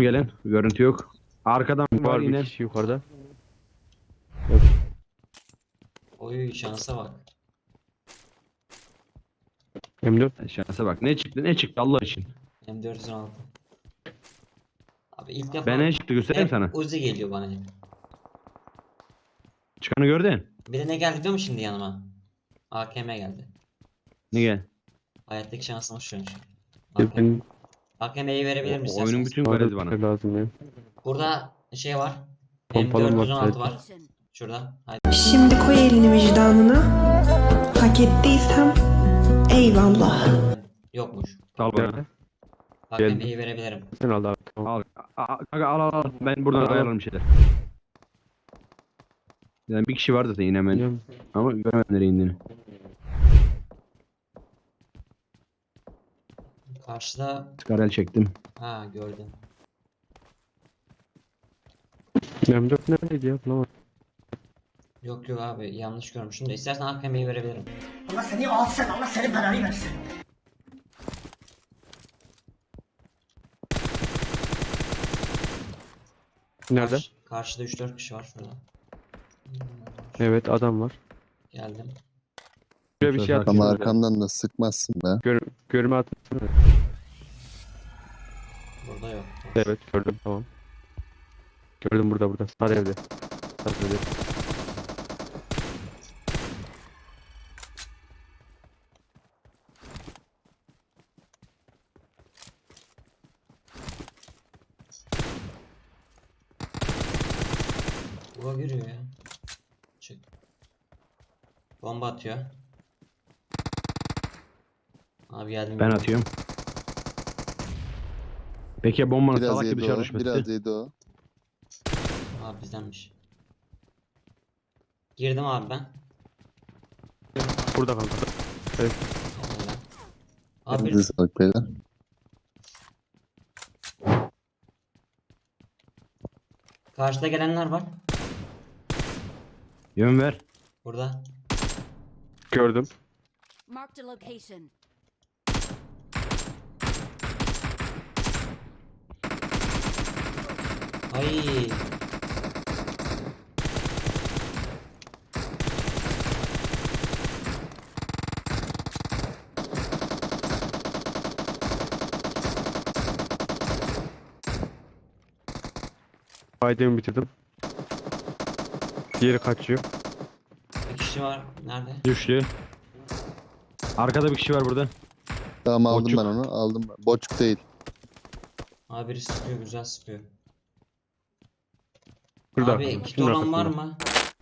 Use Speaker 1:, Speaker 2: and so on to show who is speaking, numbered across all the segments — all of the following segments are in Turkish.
Speaker 1: gelen. Görüntü yok. Arkadan var
Speaker 2: Var bir
Speaker 1: yine.
Speaker 2: kişi yukarıda.
Speaker 3: Oy şansa bak.
Speaker 2: M4.
Speaker 1: Şansa bak. Ne çıktı ne çıktı Allah için.
Speaker 3: M416. Abi ilk defa
Speaker 1: Ben ne çıktı göstereyim
Speaker 3: hep
Speaker 1: sana.
Speaker 3: Uzi geliyor bana hep.
Speaker 1: Çıkanı gördün.
Speaker 3: Bir de ne geldi biliyor musun şimdi yanıma? AKM geldi.
Speaker 1: Ne gel?
Speaker 3: Hayattaki şansımı şu an. AKM.
Speaker 2: Ben
Speaker 3: AKM'yi verebilirim
Speaker 1: O oyunun
Speaker 3: isterseniz.
Speaker 1: bütün
Speaker 2: bana
Speaker 1: garezi
Speaker 2: bir
Speaker 1: bana.
Speaker 2: şey lazım ya.
Speaker 3: Burada şey var.
Speaker 2: Pompalım var
Speaker 3: M416 var.
Speaker 2: sadece.
Speaker 3: Şurada. Haydi.
Speaker 4: Şimdi koy elini vicdanına. Hak ettiysem eyvallah.
Speaker 3: Yokmuş.
Speaker 1: Al bana.
Speaker 2: Nerede?
Speaker 3: AKM'yi verebilirim.
Speaker 2: Sen al abi. Tamam.
Speaker 1: Al. Ben buradan
Speaker 2: Al.
Speaker 1: ayarlarım bir şeyler. Yani bir kişi vardı da yine ben.
Speaker 2: Biliyorum.
Speaker 1: Ama göremedim nereye indiğini.
Speaker 3: Karşıda
Speaker 1: Skarel çektim.
Speaker 3: ha gördüm.
Speaker 2: M4 neredeydi ya? Bulamadım.
Speaker 3: Yok abi yanlış görmüşüm de istersen AKM'yi verebilirim.
Speaker 5: Allah seni alsın, Allah senin belanı versin.
Speaker 2: Nerede?
Speaker 3: Karşıda 3-4 kişi var şurada.
Speaker 2: Evet adam var.
Speaker 3: Geldim.
Speaker 2: Şuraya bir şey
Speaker 1: Ama
Speaker 2: atayım.
Speaker 6: Ama
Speaker 2: Arkamda.
Speaker 6: arkamdan da sıkmazsın be.
Speaker 2: Görme atın.
Speaker 3: Burada yok.
Speaker 2: Evet gördüm tamam. Gördüm burada. Sağ evde. Sağ evde.
Speaker 3: Bura giriyor ya. Çık. Bomba atıyor. Abi geldim.
Speaker 1: Ben atıyorum. Peki ya bombanın
Speaker 6: Biraz
Speaker 1: salak gibi
Speaker 6: yedi
Speaker 1: dışarı
Speaker 6: o.
Speaker 1: düşmesi?
Speaker 6: Biraz yedi o.
Speaker 3: Abi bizdenmiş. Girdim abi ben.
Speaker 2: Burada kanka.
Speaker 3: Öyle. Abi
Speaker 6: Elinize sağlık beyler.
Speaker 3: karşıda gelenler var.
Speaker 1: Yön ver.
Speaker 3: Burada.
Speaker 2: Gördüm.
Speaker 7: Marked a location.
Speaker 3: Ay.
Speaker 2: Aydem'i bitirdim. Diğeri kaçıyor.
Speaker 3: Bir kişi var. Nerede?
Speaker 1: Düştü. Arkada bir kişi var burada.
Speaker 6: Tamam aldım
Speaker 1: Boçuk.
Speaker 6: ben onu. Aldım ben. Boçuk değil.
Speaker 3: Abi biri sıkıyor. Güzel sıkıyor.
Speaker 2: Burada.
Speaker 3: Abi kit
Speaker 2: Şunun
Speaker 3: olan var
Speaker 2: arkasında.
Speaker 3: mı?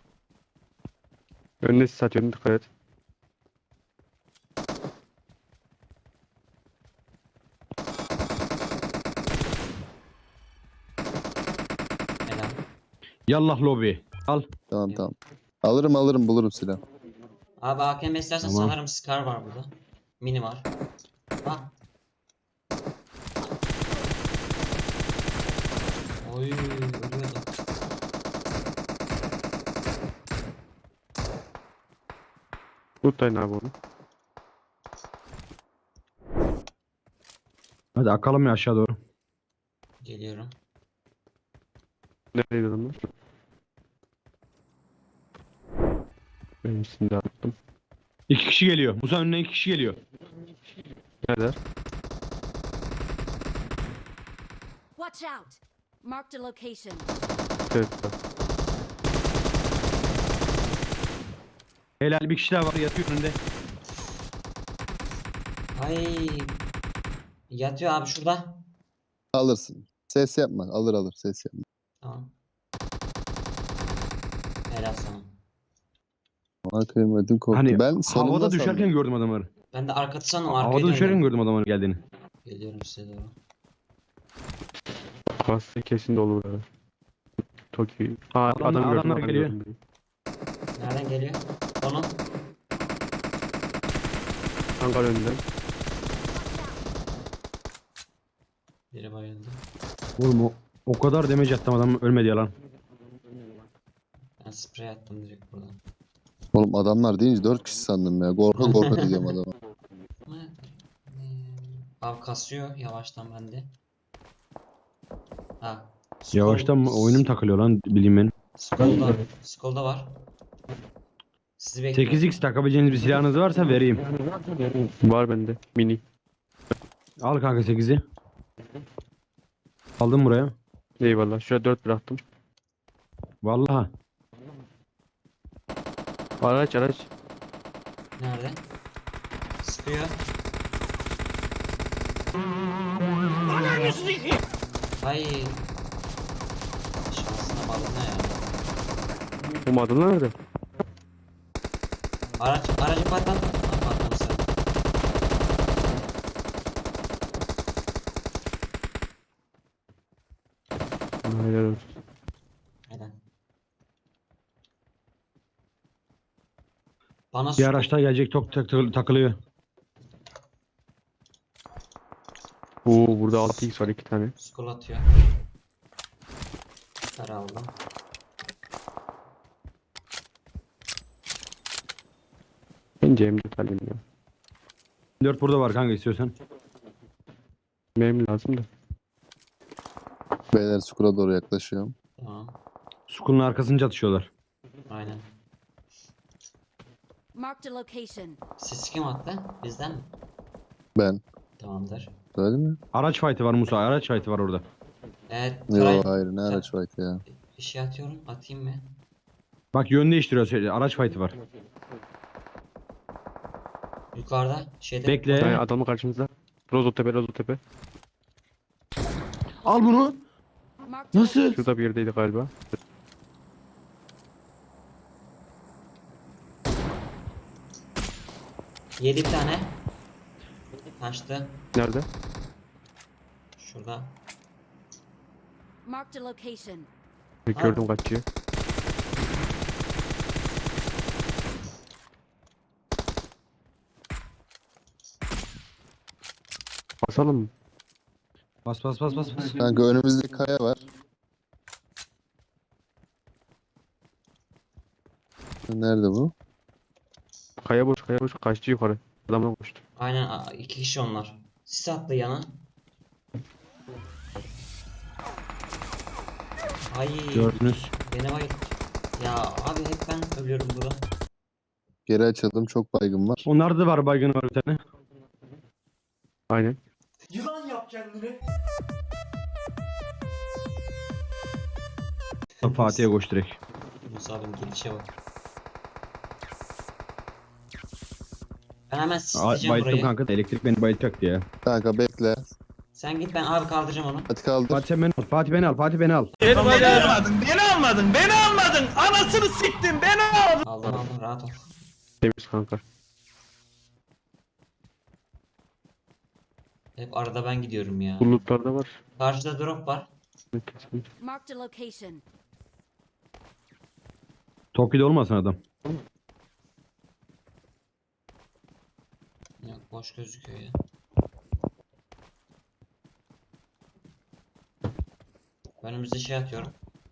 Speaker 2: Önüne sis atıyorum dikkat et.
Speaker 3: Helal.
Speaker 1: Yallah lobi. Al.
Speaker 6: Tamam. Alırım bulurum silah.
Speaker 3: Abi AKM istersen
Speaker 1: Tamam.
Speaker 3: sanırım Scar var burada. Mini var. Bak. Oy ölüyordu.
Speaker 2: Tutayın abi onu.
Speaker 1: Hadi akalım ya aşağı doğru.
Speaker 3: Geliyorum.
Speaker 2: Neredeydi adamlar? Benim üstünde de attım.
Speaker 1: 2 kişi geliyor. Musa önüne 2 kişi geliyor.
Speaker 2: Nerede?
Speaker 7: Watch out! Marked a location.
Speaker 2: Evet.
Speaker 1: Helal bir kişi daha var yatıyor önünde.
Speaker 3: Ay. Yatıyor abi şurada.
Speaker 6: Alırsın. Ses yapma. Alır ses yapma.
Speaker 3: Tamam. Helal sana.
Speaker 6: Ona kıymedim korktu.
Speaker 1: Hani
Speaker 6: Ben sonunda
Speaker 1: havada düşerken
Speaker 6: sandım.
Speaker 1: gördüm adamları.
Speaker 3: Ben de arkası sandım arkaya
Speaker 1: Havada düşerken
Speaker 3: döndüm.
Speaker 1: gördüm adamların geldiğini.
Speaker 3: Geliyorum size doğru.
Speaker 2: Kası kesin dolu burada. Toki. Aa,
Speaker 1: Adamlar
Speaker 2: adam
Speaker 1: geliyor.
Speaker 2: gördüm.
Speaker 3: Nereden geliyor? Onun.
Speaker 2: Hangar önünden.
Speaker 3: Biri bayıldı.
Speaker 1: Oğlum o kadar damage attım adam ölmedi yalan.
Speaker 3: Ben sprey attım direkt buradan.
Speaker 6: Oğlum adamlar deyince 4 kişi sandım ya. Korka diyeceğim adama.
Speaker 3: Abi kasıyor yavaştan bende. Ha.
Speaker 1: Yavaştan mı? Oyunum takılıyor lan bileyim ben.
Speaker 3: Skolda var. Sizi bekliyorum.
Speaker 1: 8x takabileceğiniz bir silahınız varsa vereyim.
Speaker 2: Var bende. Mini.
Speaker 1: Al kanka 8'i. Aldım buraya.
Speaker 2: Eyvallah. Şuraya 4 bıraktım.
Speaker 1: Vallahi.
Speaker 2: Araç araç.
Speaker 3: Nerede? Sıkıyor. Ay. Şansına bağlı ya.
Speaker 2: Bu adı nerede?
Speaker 3: Aracı patlat. Ha, patlamışsın.
Speaker 2: Helal olsun.
Speaker 3: Neden? Bana
Speaker 1: Bir araçta gelecek çok takılıyor.
Speaker 2: Oo burada 6x var 2 tane.
Speaker 3: skol atıyor. Para aldım.
Speaker 2: Bence M4 alayım ya.
Speaker 1: 4 burada var kanka istiyorsan.
Speaker 2: Benim lazım da.
Speaker 6: Beyler skura doğru yaklaşıyorum.
Speaker 3: Tamam.
Speaker 1: Sukunun arkasını çatışıyorlar.
Speaker 3: Aynen.
Speaker 7: Marked a location.
Speaker 3: Siz kim attı? Bizden mi?
Speaker 6: Ben.
Speaker 3: Tamamdır.
Speaker 6: Öyle mi?
Speaker 1: Araç fight'ı var Musa. Araç fight'ı var orada.
Speaker 3: Evet.
Speaker 6: Yok hayır ne araç var ki ya.
Speaker 3: Bir şey atıyorum. Atayım mı?
Speaker 1: Bak yön değiştiriyor. Araç fight'ı var.
Speaker 3: Yukarıda şeyde.
Speaker 2: Bir tane
Speaker 1: Bekle.
Speaker 2: adamın karşımızda. Rozotepe Rozotepe.
Speaker 1: Al bunu.
Speaker 7: Marked a
Speaker 1: Nasıl?
Speaker 7: location.
Speaker 2: Şurada bir yerdeydi galiba.
Speaker 3: Yedi bir tane. Kaçtı.
Speaker 2: Nerede?
Speaker 3: Şurada.
Speaker 7: Marked a location.
Speaker 2: Gördüm kaçıyor. Basalım mı?
Speaker 1: Bas bas bas bas. bas.
Speaker 6: Kanka önümüzde kaya var. Nerede bu?
Speaker 2: Kaya boş kaya boş. Kaçtı yukarı. Adamla koştu.
Speaker 3: Aynen iki kişi onlar. Sis attı yana. Ay
Speaker 1: Gördünüz.
Speaker 3: beni bayıl. Ya abi hep ben ölüyorum burada.
Speaker 6: Geri açıldım çok baygın var.
Speaker 1: Onlarda da var baygını var bir tane.
Speaker 2: Aynen.
Speaker 5: Yılan yap kendini.
Speaker 1: Fatih'e koş direkt.
Speaker 3: Musa abinin gelişe bak. Ben hemen sisleyeceğim
Speaker 1: Bayılttım
Speaker 3: burayı.
Speaker 1: kanka da elektrik beni bayıltacaktı ya.
Speaker 6: Kanka bekle.
Speaker 3: Sen git ben abi kaldıracağım onu.
Speaker 6: Hadi kaldır.
Speaker 1: Fatih sen beni al. Fatih beni al. Fatih beni al.
Speaker 3: Aldım rahat ol.
Speaker 2: Temiz kanka.
Speaker 3: Hep arada ben gidiyorum ya.
Speaker 2: Bulutlarda var.
Speaker 3: Karşıda drop var.
Speaker 7: Marked a location.
Speaker 1: Toki'de olmasın adam.
Speaker 3: Yok boş gözüküyor ya. Önümüzde şey atıyorum.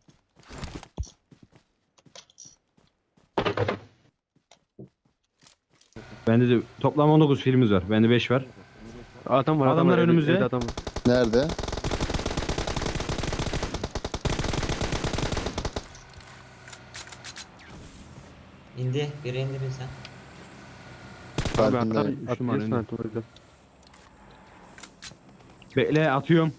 Speaker 1: Bende de toplam 19 filmimiz var. Bende 5 var.
Speaker 2: Adam var.
Speaker 1: Adamlar
Speaker 2: evde-
Speaker 1: önümüzde.
Speaker 2: evde adam var.
Speaker 6: Nerede?
Speaker 3: İndi. Biri indi bir sen.
Speaker 2: Abi
Speaker 6: Farkındayım.
Speaker 2: adam
Speaker 1: Düştüm
Speaker 2: atıyorsun
Speaker 1: önüne.
Speaker 2: artık orada.
Speaker 1: Bekle atıyorum.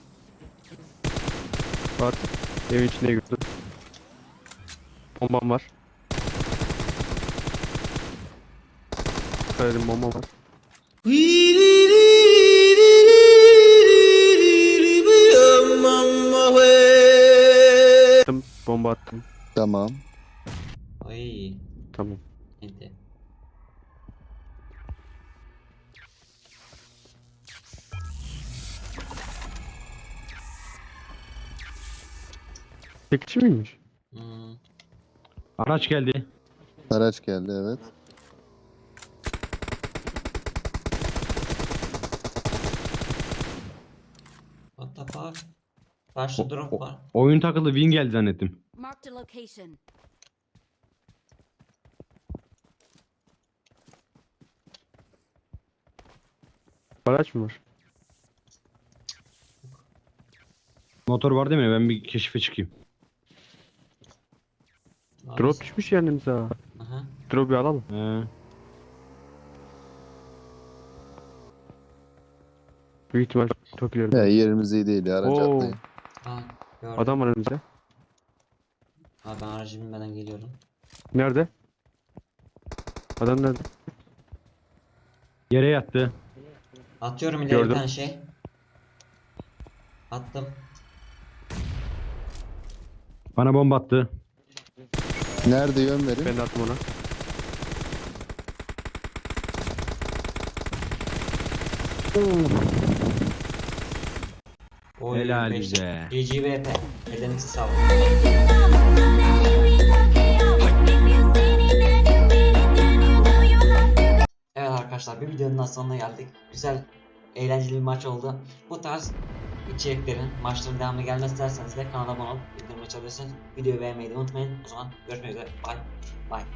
Speaker 2: Var. Evin içine girdi. Bombam var. Dikkat edin bomba var. Attım, bomba attım.
Speaker 6: Tamam.
Speaker 3: Ay.
Speaker 2: Tamam.
Speaker 3: İndi.
Speaker 2: Tek kişi miymiş?
Speaker 3: Hmm.
Speaker 1: Araç geldi.
Speaker 6: Araç geldi evet.
Speaker 3: What the fuck? Karşıda drop var.
Speaker 1: Oyun takıldı. Win geldi zannettim.
Speaker 7: Marked a location.
Speaker 2: Araç mı var?
Speaker 1: Motor var değil mi? Ben bir keşfe çıkayım.
Speaker 3: Abi,
Speaker 2: Drop düşmüş yanımıza.
Speaker 3: Aha.
Speaker 2: Drop'u alalım.
Speaker 1: He.
Speaker 2: Büyük ihtimal çok ileride.
Speaker 6: Ya yerimiz iyi değil ya. Aracı
Speaker 2: Oo.
Speaker 6: atlayın.
Speaker 3: Ha, gördüm.
Speaker 2: Adam var önümüzde.
Speaker 3: Abi ben aracı binmeden geliyorum.
Speaker 2: Nerede? Adam nerede?
Speaker 1: Yere yattı.
Speaker 3: Atıyorum ileri
Speaker 2: Gördüm.
Speaker 3: bir tane şey. Attım.
Speaker 1: Bana bomba attı.
Speaker 6: Nerede yön verin?
Speaker 2: Ben de attım ona.
Speaker 3: Oy,
Speaker 1: Helal
Speaker 3: beş-
Speaker 1: bize.
Speaker 3: GGVP. Ellerinize sağlık. Evet arkadaşlar, bir videonun daha sonuna geldik. Güzel, eğlenceli bir maç oldu. Bu tarz içeriklerin, maçların devamlı gelmesi isterseniz de kanala abone olup bildirim açabilirsiniz. Videoyu beğenmeyi de unutmayın. O zaman görüşmek üzere. Bye. Bye.